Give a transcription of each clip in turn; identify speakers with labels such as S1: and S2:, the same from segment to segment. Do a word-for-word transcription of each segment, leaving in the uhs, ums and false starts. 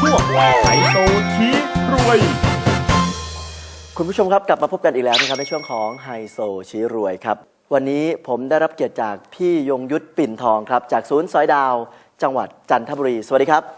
S1: วงไฮโซชี้รวย
S2: คุณผู้ชมครับกลับมาพบกันอีกแล้วนะครับในช่วงของไฮโซชี้รวยครับวันนี้ผมได้รับเกียรติจากพี่ยงยุทธปิ่นทองครับจากศูนย์สอยดาวจังหวัดจันทบุรีสวัสดีครับ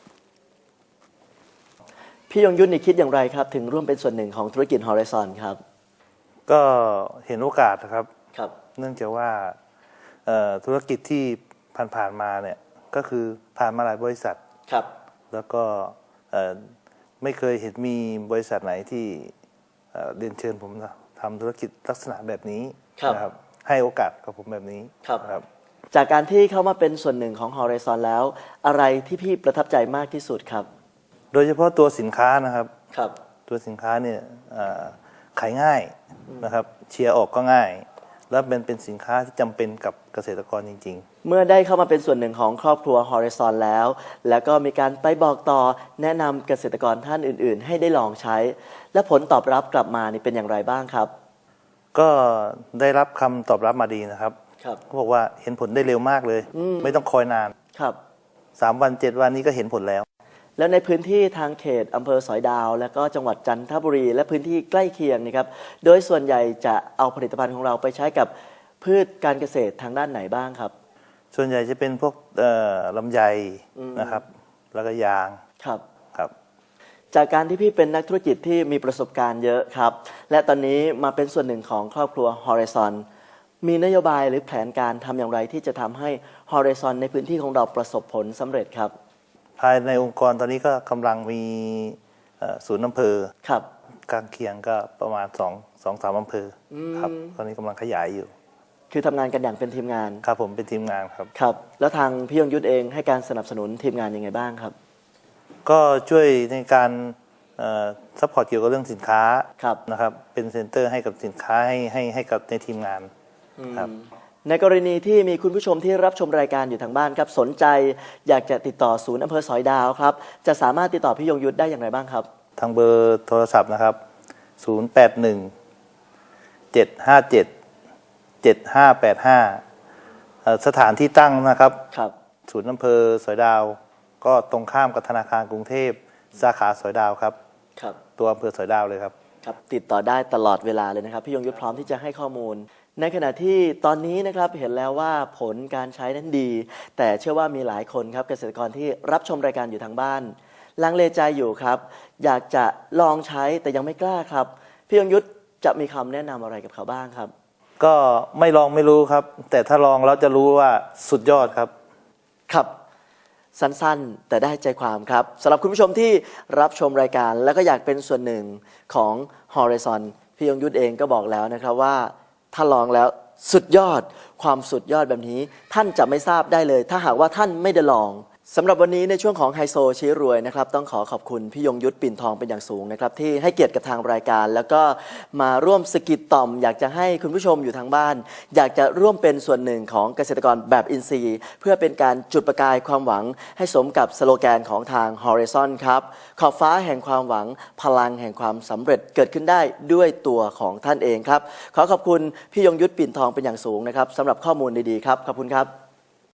S2: พี่ยงยุทธนี่คิดอย่างไรครับถึงร่วมเป็นส่วนหนึ่งของธุรกิจ Horizon ครับ
S3: ก็เห็นโอกาสนะครับ
S2: ครับ
S3: เนื่องจากว่าธุรกิจที่ผ่านๆมาเนี่ยก็คือผ่านมาหลายบริษัท
S2: ครับ
S3: แล้วก็ไม่เคยเห็นมีบริษัทไหนที่เรียนเชิญผมทำธุรกิจลักษณะแบบนี้นะครับให้โอกาสกับผมแบบนี้
S2: ครับจากการที่เข้ามาเป็นส่วนหนึ่งของ Horizon แล้วอะไรที่พี่ประทับใจมากที่สุดครับ
S3: โดยเฉพาะตัวสินค้านะครับ
S2: ครับ
S3: ตัวสินค้าเนี่ยขายง่ายนะครับเชียร์ออกก็ง่ายและเป็นเป็นสินค้าที่จำเป็นกับเกษตรกรจริง
S2: ๆเมื่อได้เข้ามาเป็นส่วนหนึ่งของครอบครัว Horizon แล้วแล้วก็มีการไปบอกต่อแนะนำเกษตรกรท่านอื่นๆให้ได้ลองใช้และผลตอบรับกลับมานี่เป็นอย่างไรบ้างครับ
S3: ก็ได้รับคำตอบรับมาดีนะครับเขาบอกว่าเห็นผลได้เร็วมากเลยไม่ต้องคอยนาน
S2: ครับ
S3: สามวันเจ็ดวันนี้ก็เห็นผลแล้ว
S2: แล้วในพื้นที่ทางเขตอำเภอสอยดาวและก็จังหวัดจันทบุรีและพื้นที่ใกล้เคียงนะครับโดยส่วนใหญ่จะเอาผลิตภัณฑ์ของเราไปใช้กับพืชการเกษตรทางด้านไหนบ้างครับ
S3: ส่วนใหญ่จะเป็นพวกลำไยนะครับแล้วก็ยาง
S2: ครับ
S3: ครับ
S2: จากการที่พี่เป็นนักธุรกิจที่มีประสบการณ์เยอะครับและตอนนี้มาเป็นส่วนหนึ่งของครอบครัว Horizon มีนโยบายหรือแผนการทำอย่างไรที่จะทำให้ Horizon ในพื้นที่ของเราประสบผลสำเร็จครับ
S3: ภายในองค์กรตอนนี้ก็กำลังมีศูนย์อำเภอ
S2: ครับ
S3: กลางเคียงก็ประมาณสองสองสามอำเภอครับตอนนี้กำลังขยายอยู่
S2: คือทำงานกันอย่างเป็นทีมงาน
S3: ครับผมเป็นทีมงานครับ
S2: ครับแล้วทางพี่ยงยุทธเองให้การสนับสนุนทีมงานยังไงบ้างครับ
S3: ก็ช่วยในการซัพพอร์ตเกี่ยวกับเรื่องสินค้านะครับเป็นเซ็นเตอร์ให้กับสินค้าให้ให้ให้กับในทีมงานครับ
S2: ในกรณีที่มีคุณผู้ชมที่รับชมรายการอยู่ทางบ้านครับสนใจอยากจะติดต่อศูนย์อำเภอสอยดาวครับจะสามารถติดต่อพี่ยงยุทธได้อย่างไรบ้างครับ
S3: ทางเบอร์โทรศัพท์นะครับศูนย์ แปด หนึ่ง เจ็ด ห้า เจ็ด เจ็ด ห้า แปด ห้าสถานที่ตั้งนะครับ
S2: ครับ
S3: ศูนย์อำเภอสอยดาวก็ตรงข้ามกับธนาคารกรุงเทพสาขาสอยดาวครับ
S2: ครับ
S3: ตัวอำเภอสอยดาวเลยครับ
S2: ครับติดต่อได้ตลอดเวลาเลยนะครับพี่ยงยุทธพร้อมที่จะให้ข้อมูลในขณะที่ตอนนี้นะครับเห็นแล้วว่าผลการใช้นั้นดีแต่เชื่อว่ามีหลายคนครับเกษตรกรที่รับชมรายการอยู่ทางบ้านลังเลใจอยู่ครับอยากจะลองใช้แต่ยังไม่กล้าครับพี่ยงยุทธจะมีคำแนะนำอะไรกับเขาบ้างครับ
S3: ก็ไม่ลองไม่รู้ครับแต่ถ้าลองแล้วจะรู้ว่าสุดยอดครับ
S2: ครับสั้นๆแต่ได้ใจความครับสำหรับคุณผู้ชมที่รับชมรายการแล้วก็อยากเป็นส่วนหนึ่งของ Horizon พี่ยงยุทธเองก็บอกแล้วนะครับว่าถ้าลองแล้วสุดยอดความสุดยอดแบบนี้ท่านจะไม่ทราบได้เลยถ้าหากว่าท่านไม่ได้ลองสำหรับวันนี้ในช่วงของไฮโซชี้รวยนะครับต้องขอขอบคุณพี่ยงยุทธปิ่นทองเป็นอย่างสูงนะครับที่ให้เกียรติกับทางรายการแล้วก็มาร่วมสกิดต่อมอยากจะให้คุณผู้ชมอยู่ทางบ้านอยากจะร่วมเป็นส่วนหนึ่งของเกษตรกรแบบอินทรีย์เพื่อเป็นการจุดประกายความหวังให้สมกับสโลแกนของทาง Horizon ครับขอบฟ้าแห่งความหวังพลังแห่งความสำเร็จเกิดขึ้นได้ด้วยตัวของท่านเองครับขอขอบคุณพี่ยงยุทธปิ่นทองเป็นอย่างสูงนะครับสำหรับข้อมูลดีๆครับขอบคุณครับ